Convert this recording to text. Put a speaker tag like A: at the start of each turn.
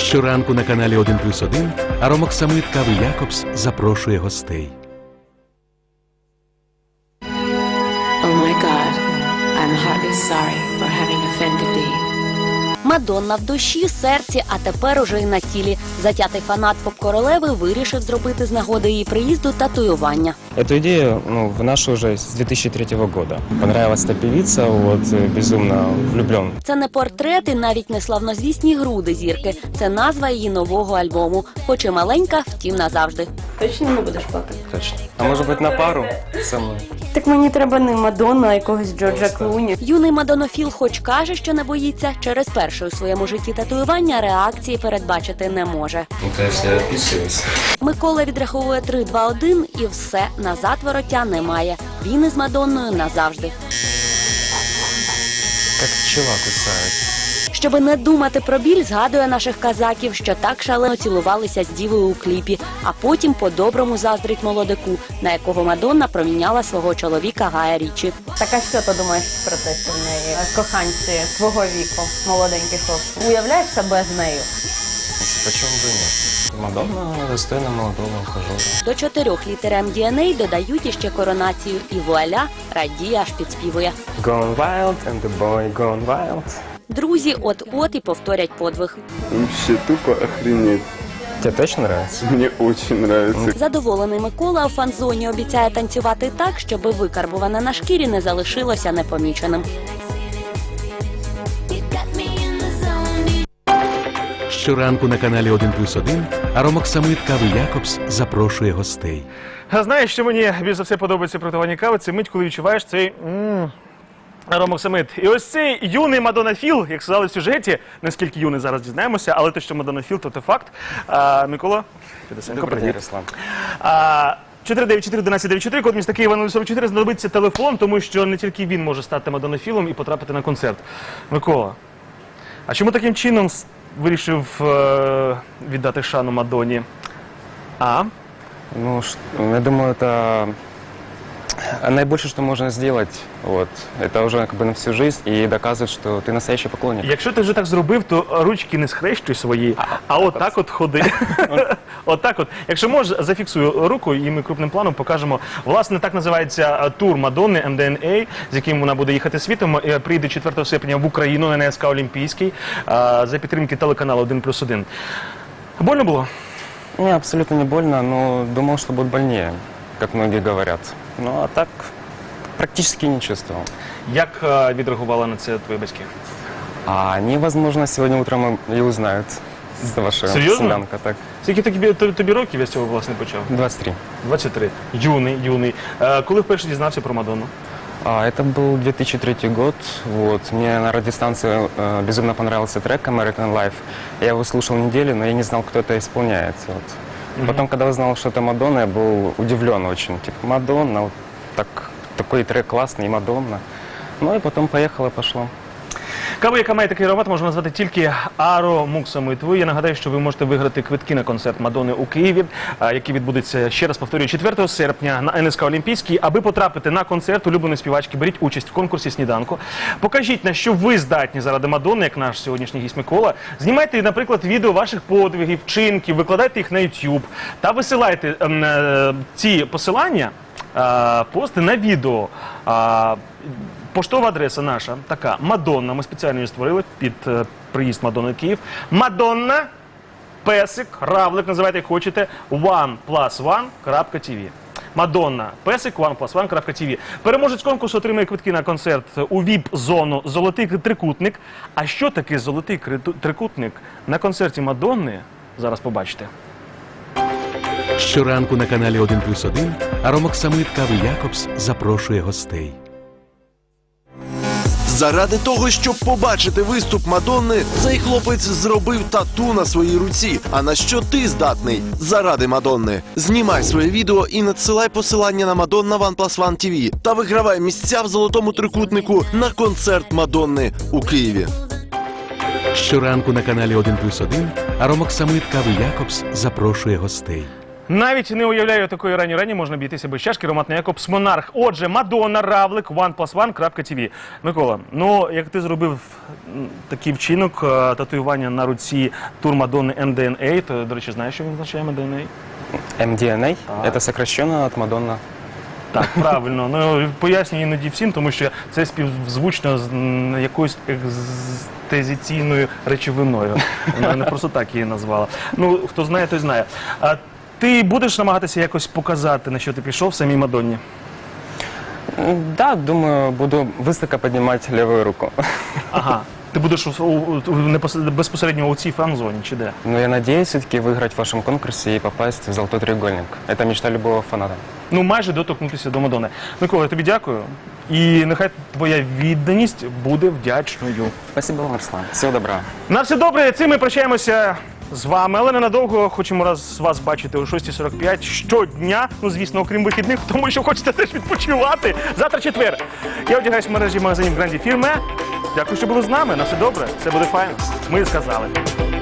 A: Щоранку на каналі 1+1 Аромоксамит кави Якобс запрошує гостей.
B: Oh my God, I'm heartily sorry for having offended thee.
C: Мадонна в душі, серці, а тепер уже й на тілі. Затятий фанат поп-королеви вирішив зробити з нагоди її приїзду татуювання.
D: Эту идею вношу уже с 2003 года. Понравилась эта певица, безумно влюблен.
C: Це не портрет і навіть не славнозвісні груди зірки. Це назва її нового альбому. Хоч і маленька, втім назавжди.
E: Точно не будеш плакати?
D: Точно. А может быть на пару со мной?
E: Так мені треба не Мадонну, а якогось Джорджа Клуні.
C: Юний мадонофіл хоч каже, що не боїться, через перше у своєму житті татуювання реакції передбачити не може.
D: Конечно, я описываюсь.
C: Микола відраховує 3, 2, 1 і все, назад вороття немає. Він із Мадонною назавжди.
D: Как пчела кусает.
C: Щоби не думати про біль, згадує наших казаків, що так шалено цілувалися з дівою у кліпі, а потім по-доброму заздрить молодику, на якого Мадонна проміняла свого чоловіка Гая Річі.
E: Так а що ти думаєш про те, що в неї коханці твого віку, молоденькі хлопці? Уявляєш себе з нею?
D: Почему бы и нет? Мадонна достойна молодого ухажера.
C: До 4 літер MDNA додають іще коронацію, і вуаля, радіє аж підспівує.
D: Gone wild and the boy gone wild.
C: Друзі от-от і повторять подвиг.
F: Вообще тупо охренеть.
D: Тебе точно нравится?
F: Мне очень нравится.
C: Задоволений Микола у фан-зоні обіцяє танцювати так, щоби викарбуване на шкірі не залишилося непоміченим.
A: Щоранку на каналі 1+1 Аромоксамит кави Якобс запрошує гостей.
G: А знаєш, що мені більш за все подобається при готуванні кави? Це мить, коли відчуваєш цей аромоксамит. І ось цей юний мадонофіл, як сказали в сюжеті, наскільки юний зараз дізнаємося, але те, що мадонофіл, то це факт. Микола,
D: Добрый день, Руслан.
G: 494-1194, код міста Києва 044, знадобиться телефон, тому що не тільки він може стати мадонофілом і потрапити на концерт. Микола, а чому таким чином вирішив віддати шану Мадонні?
D: Я думаю, это наибольшее, что можно сделать. Это уже как бы на всю жизнь и доказывает, что ты настоящий поклонник.
G: Якщо ти вже так зробив, то ручки не схрещуй свої, а отак от ходи. Отак от. Якщо можеш, зафіксуй руку і ми крупним планом покажемо. Власне, так називається тур Мадонни MDNA, з яким вона буде їхати світом. Прийде 4 серпня в Україну на НСК Олімпійський за підтримки телеканалу 1+1. Больно було?
D: Не, абсолютно не больно, но думал, что будет больнее, как многие говорят. Ну, а так практически не чувствовал.
G: Як відреагували на це твої батьки?
D: А они, возможно, сегодня утром и узнают за вашего
G: Серьезно?
D: сынанка. Так.
G: Скільки тобі років я з цього, власне, почав?
D: 23.
G: 23. Юний. Коли вперше дізнався про Мадонну?
D: Это был 2003 год. Мне на радиостанции безумно понравился трек American Life. Я его слушал неделю, но я не знал, кто это исполняет. Потом, когда узнал, что это Мадонна, я был удивлен очень. Типа, Мадонна, такой трек классный, и Мадонна. Ну и потом поехало, пошло.
G: Каву, яка має такий аромат, можна назвати тільки Аромоксамитовою. Я нагадаю, що ви можете виграти квитки на концерт Мадонни у Києві, який відбудеться, ще раз повторюю, 4 серпня на НСК Олімпійський. Аби потрапити на концерт улюбленої співачки, беріть участь в конкурсі «Сніданку». Покажіть, на що ви здатні заради Мадонни, як наш сьогоднішній гість Микола. Знімайте, наприклад, відео ваших подвигів, вчинків, викладайте їх на YouTube та висилайте ці посилання, пости на відео. Поштова адреса наша така, Мадонна, ми спеціально її створили під приїзд Мадонни в Київ. Мадонна, песик, равлик, називайте як хочете, one+1.tv. Мадонна, песик, one+1.tv. Переможець конкурсу отримає квитки на концерт у ВІП-зону «Золотий трикутник». А що таке «Золотий трикутник» на концерті Мадонни, зараз побачите.
A: Щоранку на каналі 1+1 Аромоксамит кави Якобс запрошує гостей.
H: Заради того, щоб побачити виступ Мадонни, цей хлопець зробив тату на своїй руці. А на що ти здатний заради Мадонни? Знімай своє відео і надсилай посилання на Мадонна one+1 TV та вигравай місця в золотому трикутнику на концерт Мадонни у Києві.
A: Щоранку на каналі 1+1 Аромоксамит кави Якобс запрошує гостей.
G: Навіть не уявляю, такої рані можна обійтися без чашки. Роман Якобс, Монарх. Отже, Мадонна, Равлик, OnePlus1.tv. Микола, ну, як ти зробив такий вчинок, татуювання на руці тур Мадонни MDNA, то, до речі, знаєш, що він означає MDNA?
D: MDNA – это сокращенно от Мадонна.
G: Так, правильно. Ну, пояснюю іноді всім, тому що це співзвучно з якоюсь екстезиційною речовиною. Вона не просто так її назвала. Ну, хто знає, той знає. А ти будеш намагатися якось показати, на що ти пішов самій Мадонні?
D: Да, думаю, буду высоко поднимать левую руку.
G: Ага. Ти будеш безпосередньо у цій фан-зоні, чи де?
D: Но я надеюсь все-таки выиграть в вашем конкурсе и попасть в «Золотой треугольник». Это мечта любого фаната.
G: Ну, майже доторкнутися до Мадонни. Микола, я тобі дякую. І нехай твоя відданість буде вдячною.
D: Спасибо вам, Руслан. Всего доброго.
G: На все добре, цим ми прощаємося з вами, але ненадовго. Хочемо вас бачити о 6:45 щодня, ну, звісно, окрім вихідних, тому що хочете теж відпочивати. Завтра четвер. Я одягаюсь в мережі магазинів Гранді Фірме. Дякую, що були з нами. На все добре, все буде файно. Ми сказали.